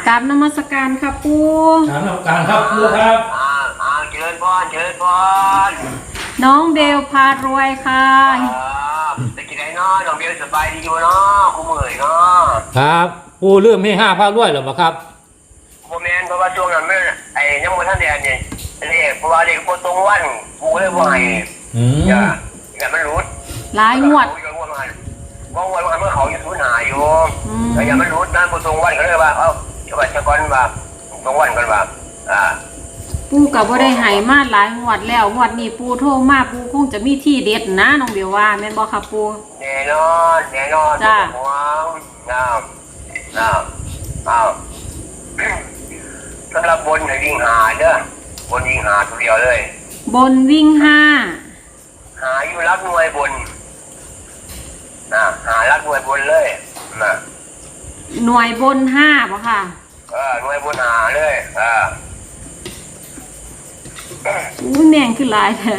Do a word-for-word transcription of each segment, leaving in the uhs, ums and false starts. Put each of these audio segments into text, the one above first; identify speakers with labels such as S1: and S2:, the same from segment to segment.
S1: กราบนมัสการค่ะปู
S2: กราบนมัสการครับปูครับ
S3: อ่าอ่าเชิญพรเชิญพร
S1: น้องเบลพารวยค่ะ
S3: ไปกินไหนเนาะน้องเบลสบายดีอยู่เนาะคุณเมื่อยเนาะ
S2: ครับปูเรื่องให้ห้าพาด้วยหรือเปล่าครับ
S3: โมเมนต์เพราะว่าช่วงนั้นไม่ไอ้ยังไม่ทันเดือนเนี่ยเรียกเพราะว่าเด็กโคตรงวันกูเลยว่าไงอย่าอย่ามันรู้
S1: หลายงวด
S3: ว่าวันวันเมื่อเขาอยู่ทุนหาอยู่แต่อย่ามันรู้นะโคตรงวันก็เลยว่าเอ้าจะว่าจะก่อนว่าตรงวันกันว่าอ่า
S1: ปูกับว่าได้หายมาหลายงวดแล้วงวดนี้ปูโทรมาปูคงจะมีที่เด็ดนะน้องเบลว่าแม่นบอกค่ะปู
S3: แน่นอนแน่นอน
S1: จ้า
S3: ว้าวน้าวน้าวน้าวสำหรับบนให้วิ่งหาเด้อบนวิ่งหาตัวเดียวเลย
S1: บนวิ่งห้า
S3: หาอยู่รักหน่วยบนนะหารักหน่วยบนเลยนะ
S1: หน่วยบนห้าป่ะค่ะ
S3: เออหน่วยบนหาเลยเออ
S1: อู้แมงขึ้นหลายแท้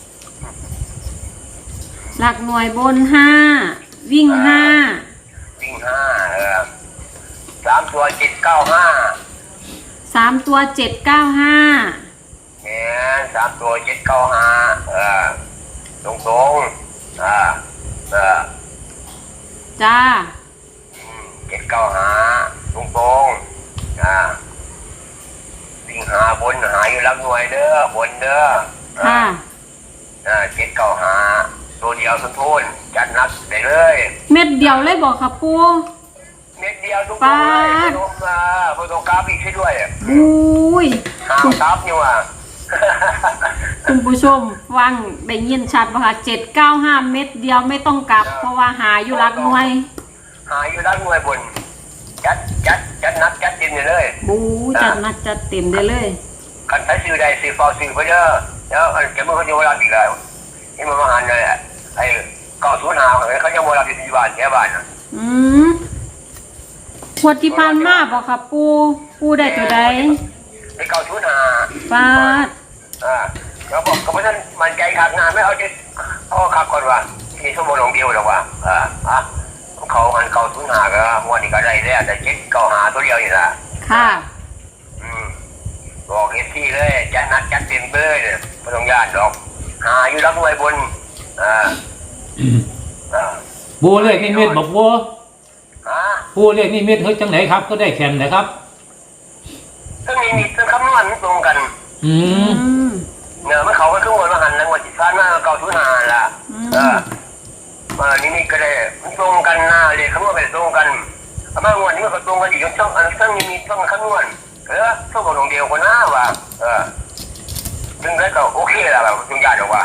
S1: หลักหน่วยบนห้าวิ่งห้า
S3: วิ่งห้าเออสามตัวเจ็ดเก้าห้า
S1: สามตัวเจ็ดเก้าห้า
S3: เนี่ยสามตัวเจ็ดเก้าห้าเออตรงตรงอ่าเออ
S1: จ้า
S3: เจ็ดเก้าห้าตรงตรงอ่าวิ่งหาบนหาอยู่รักหน่วยเด้อบนเด้อ
S1: ค่ะ
S3: อ่าเจ็ดเก้าห้าตัวเดียวทุนทุนจัดนักได้เลย
S1: เม็ดเดียวเลยบอกค่ะปู
S3: เม็ดเดียวทุกคนเลยลงมาบนตรงกราฟอีกช่วยด้วย
S1: อุ้ย
S3: หางกราฟอยู่อ่ะ
S1: คุณผู้ชมฟังได้ยินชัดป่ะคะเจ็ดเก้าห้าเม็ดเดียวไม่ต้องกลับเพราะว่าหาอยู่รักหน่วย
S3: หาอยู่รักหน่วยบนจัดจัดจัดนัดจัดเต็มเลย
S1: บูจัดนัดจัดเต็มได้เลย
S3: คันใช้ซื้อได้ซื้อฟอซื้อไปเยอะแล้วแกเมื่อเขาจะเวลาอีกแล้วนี่มันมาหันเลยไอ้เก่าสูญหาเขาจะเวลาเป็นบ้านแค่บ้าน
S1: อืมขวดที่ผ่านมาบอกค่ะปูปูได้ตัวใด
S3: ไอ้เก่าสูญหา
S1: ฟาด
S3: อ่าเราบอกกับท่านมันใจขาดงานไม่เอาจะเอาขับก่อนว่าที่ชั่วโมงเดียวหรอกว่าอ่าอ่ะเขาหันเก่าสูญหาก็วันนี้ก็ได้แล้วแต่เจ็ดเก่าหาตัวเดียวนี่แหละ
S1: ค่ะ
S3: อืมบอกเอฟซีเลยจัดนัดจัดเต็มเบอร์เลยไม่ต้องยากดอกหาอยู่รักหน่วยบนอ่า
S2: อ่าบัวเลขนี่เม็ดบอกบัวบัวเลขนี่เม็ดเฮ้ยจังไหนครับก็ได้แข่งนะครับ
S3: ซึ่งมีมีซึ่งคำนวณตรงกัน
S2: อืม
S3: เนื้อเมื่อเขาก็ขึ้นวนมาหันแล้ววันที่ผ่านมาเก่าทุนหาละเออมานี่นี่ก็ได้ตรงกันหน้าเลยคำนวณไปตรงกันมางวดนี้มันก็ตรงกันอีกช่องอันซึ่งมีมีช่องคำนวณเออช่องของเดียวคนหน้าว่ะเออซึ่งได้ก็โอเคแล้วแบบจุงยาดอกว่า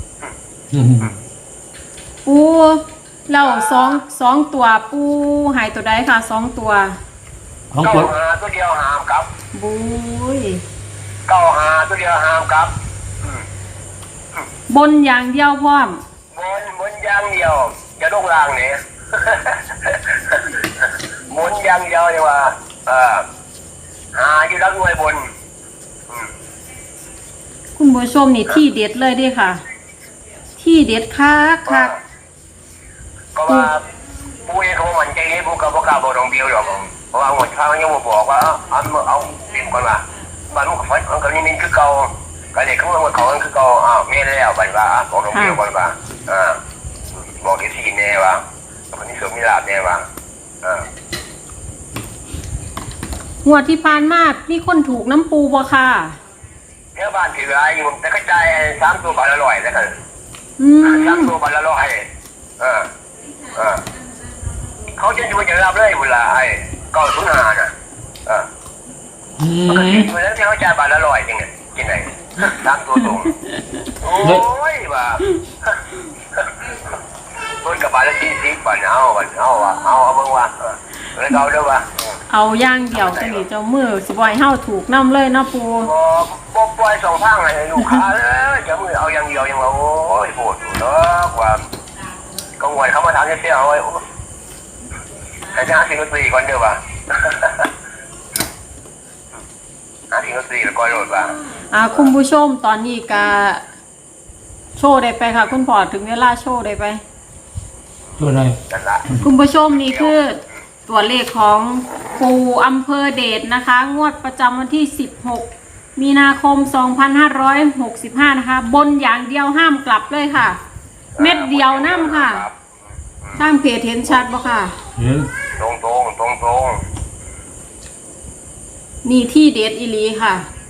S1: ปูเราสองสองตัวปูหายตัวใดค่ะสองตัว
S3: เก้าหาตัวเดียวหามครับ
S1: บุ้ย
S3: เก้าหาตัวเดียวหามครับ
S1: บนอย่างเดียวพร้อม
S3: บนบนอย่างเดียวจะลงล่างเนี่ยบนอย่างเดียวเลยว่าเออหาอยู่รักหน่วยบน
S1: คุณผู้ชมนี่ที่เด็ดเลยดิค่ะที่เด็ดคักคัก
S3: ก็ว่าปูเองเขามันใจให้ปูกับพวกกาบอกตรงเดียวหรอกเพราะว่าหมดข้าวยังมาบอกว่าเอาเอาเต็มก่อนว่าบ้านมันก็ฟัดมันก็นี่มันคือเก่าก็เลยเขาบอกเขาคือเก่าอ้าวไม่แล้วบัดว่าบอกตรงเดียวก่อนว่าอ่าบอกที่สี่แน่ว่าวันนี้สมมีลาบแน่ว่าอ่า
S1: หัวที่พานมากมีคนถูกน้ำปูบ่ค่ะ
S3: เนื้อบ้านถืออะไรอยู่แต่ก็ใจสามตัวบาทอร่อยแล้วกันสามตัวบาทอร่อยเออเออเขาจะดูจะรับเลยเวลาไอ้ก็ทุนหาน่ะเออปกติเวลาที่เขาจ่ายบาทอร่อยจริงไงจริงไงสามตัวตรงโอ้ยว่าคนกับบาทละสี่สิบบาทเอาบาทเอาว่ะเอาเอาเบิ่งว่ะเลยเอาด้วยว่ะ
S1: เอาย่างเดี่ยวจะนี่เจ้ามือสิบอยเฮาถูกน้ำเลยเนาะปู
S3: บ่บ่ปล่อยสองทางให้ลูกค้าเลยเจ้ามือเอาอย่างเดียวยังว่าโอ้ยโหดอยู่เนาะกว่าก็งวยเขามาทำเสี้ยวเอาไว้แต่จะหาสิ่งดนตรีก่อนเด้อว่ะหาสิ่งดนตรีแล้วก่อนโหลดว่ะ
S1: อ่าคุณผู้ชมตอนนี้ก็โชว์ได้ไปค่ะคุณพ่อถึงเวลาโชว์ได้ไป
S2: โชว์ได้
S1: คุณผู้ชมนี่คือตัวเลขของปู่อำเภอเดชนะคะ งวดประจำวันที่สิบหกมีนาคมสองพันห้าร้อยหกสิบห้านะคะ บนอย่างเดียวห้ามกลับเลยค่ะ เม็ดเดียวน้ำค่ะทางเพจเห็นชัดบ่ค่ะ
S2: เห็น
S3: ตรงตรงตรงตรง
S1: นี่ที่เดชอีหลีค่ะ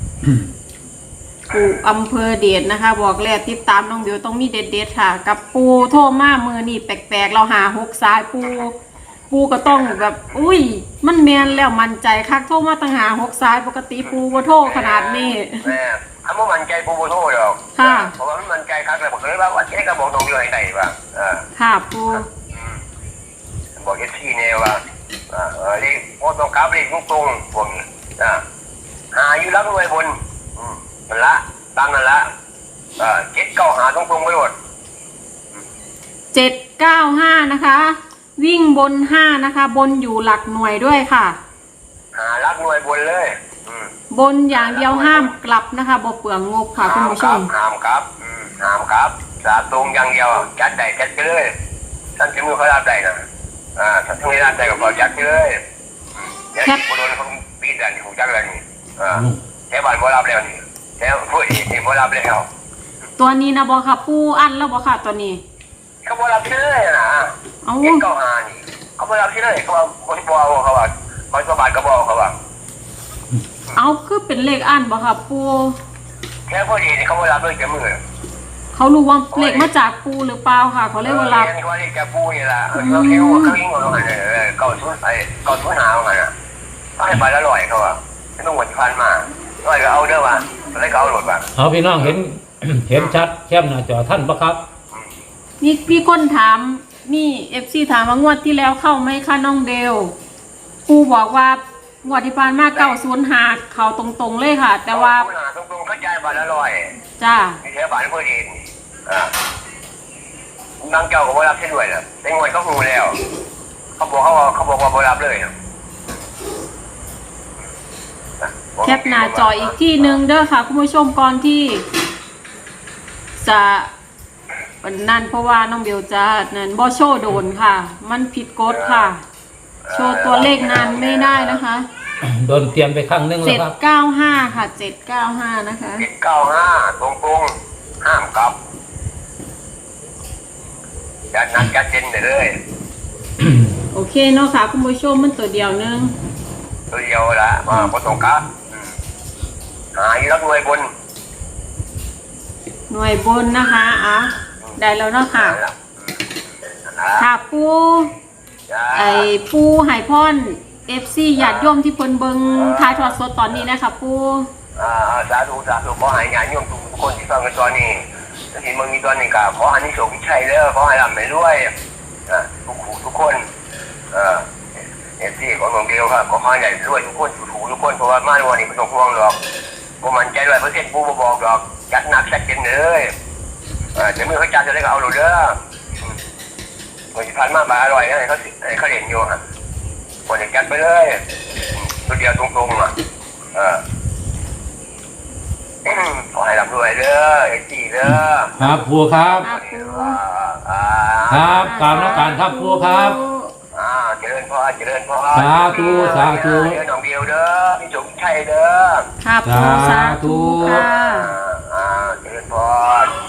S1: ปู่อำเภอเดชนะคะ บอกแล้วติดตามน้องเดียวต้องมีเด็ดๆค่ะ กับปูโทรมามือนี่แปลกๆเราหาหกสายปูปูก็ต้องแบบ อุ้ย มันแมนแล้วมันใจคักโทรมาตั้งหาหกสายปกติปูบ่โทรขนาดนี้
S3: แม่ถ้ามันมันใจปูโบโต้หรอก
S1: ค่ะ
S3: เพราะว่ามันมันใจครับเลยบอกเลยว่าว่าเจ๊ก็บอกตรงอยู่ไหนๆว่าเออ
S1: ค่ะปู
S3: บอกเอฟซีเนี่ยว่าเออเรียกโอ้ตรงกราฟเรียกตรงๆพวกนี้อ่าหาอยู่รักรวยบนอืมมันละตามนั่นละเออเจ็ดเก้าหาตรงๆไปหมด
S1: เจ็ดเก้าห้านะคะ วิ่งบนห้านะคะ บนอยู่หลักหน่วยด้วยค่ะ
S3: หารักรวยบนเลยอืม
S1: บนอย่างเดียวห้ามกลับนะคะบ่เปลืองงบค่ะคุณผู้ชม
S3: ห้ามครับอืมห้ามครับสาตรงอย่างเดียวจัดได้จัดไปเลยท่านจะมือเขารับได้นะอ่าท่านไม่รับได้ก็บอกจัดไปเลยเดี๋ยวที่โดนเขาปีนดันถูกจักแล้วนี่อ่าแถวบ้านบ่รับแล้วนี่แถวผู้เอกนี่บ่รับแล้ว
S1: ตัวนี้นะบ่ค่ะปูอันแล้วบ่ค่ะตัวนี้
S3: เขาบ่รับเลยนะ
S1: เอา
S3: เจ็ดเก้าหานี่เขาบ่รับเลยเขาว่าคนบ่เอาเขาว่าเขาสบายก็บ่เขาว่า
S1: เอาคือเป็นเลขอันบ่ค่ะปู
S3: แค่พอดีนี่เขาบ่รับเลยจะมือ
S1: เขารู้ว่าเลขมาจากปูหรือเปล่าค่ะ เขาเรียกว่ารับ
S3: เขาเรียกแกปูนี่ล่ะเขาคิดว่าเขายิงเอาไงเออเก่าชุดไอ้เก่าชุดหาเอาไงน่ะให้ไปละร้อยเขาว่าไม่ต้องหมดพันมาร้อยก็เอาเด้อว่าอะไรก็เอาหลดว่า
S2: เอาพี่น้องเห็น เห็นชัดแคบหน้าจอท่านปะครับ
S1: มีมีคนถามมีเอฟซีถามว่างวดที่แล้วเข้าไหมคะน้องเดลปูบอกว่างวดที่ผ่านมาเก้าศูนย์หาเขาตรงๆเลยค่ะ แต่ว่า
S3: ตรงๆเข้าใจบาทละร้อย
S1: จ้า
S3: มีแถวบ้านพอดีอ่าบางเจ้าก็บ่รับเช่นด้วยนะแต่งวดเขาหูแล้วเขาบอกเขาเขาบอกว่าบ่รับเลย
S1: แคปหน้าจออีกที่หนึ่งเด้อค่ะคุณผู้ชมก่อนที่จะนั่นเพราะว่าน้องเบลจะนั่นบ่โชว์โดนค่ะ มันผิดกฎค่ะ โชว์ตัวเลขนานไม่ได้นะคะ
S2: โดนเตรียมไปข้างนึงแล้
S1: เจ็
S2: ว
S1: ด
S2: ครับ
S1: เก้าห้าค่ะเจ็ดเก้าห้านะคะ
S3: เจ็ดเก้าห้าตรงตรงห้ามกลับจัดหนักจัดเจนเลย
S1: โอเคเนาะค่ะคุณผู้ชมมันตัวเดียวนึง
S3: ตัวเดียวละมาบ่ต้องกลับหาอยู่รักรวยบน
S1: หน่วยบนนะคะอ่ะได้แล้วเนาะค่ะค่ะปูไอปูไห่พอนเอฟซีญาติโยมที่เพิ่นเบิงทายทอดสดตอนนี้นะคะปู
S3: อ่าสาธุสาธุขอให้ญาติโยมทุกคนที่ฟังกันตอนนี้ถ้าเห็นมึงมีตอนนี้ก็ขอให้นิสงชัยเด้อขอให้ร่ำให้รวยอ่าทุกคู่ทุกคนเอ่อเอฟซีของหลวงเดียวครับขอให้ใหญ่รวยทุกคนทุกคู่ทุกคนเพราะว่ามาวันนี้ไม่ต้องห่วงหรอกผมมั่นใจร้อยเปอร์เซ็นต์ปูบ่บอกหรอกจัดหนักจัดเต็มเลยเออจะมือเขาจัดจะได้ก็เอาหนูเด้อวันที่ผ่านมาบาอร่อยนะเขาเขาเห็นอยู่ฮะคนจัดไปเลยตัวเดียวตรงๆอ่ะเออขอให้ร่ำรวยเด้อเอจีเด้อ
S2: ครับครูครับ
S1: ค่ะปู
S3: อ่า
S2: ครับกราบนมัสการครับครูครับ
S3: อ่าเจริญพรเจริญพร
S2: สาธุสาธุ
S3: เด้อน้องเดียวเด้อพี่สมชัยเด้อ
S1: ค่ะปูสาธุค่ะ
S3: อ่าอ่าเจริญพร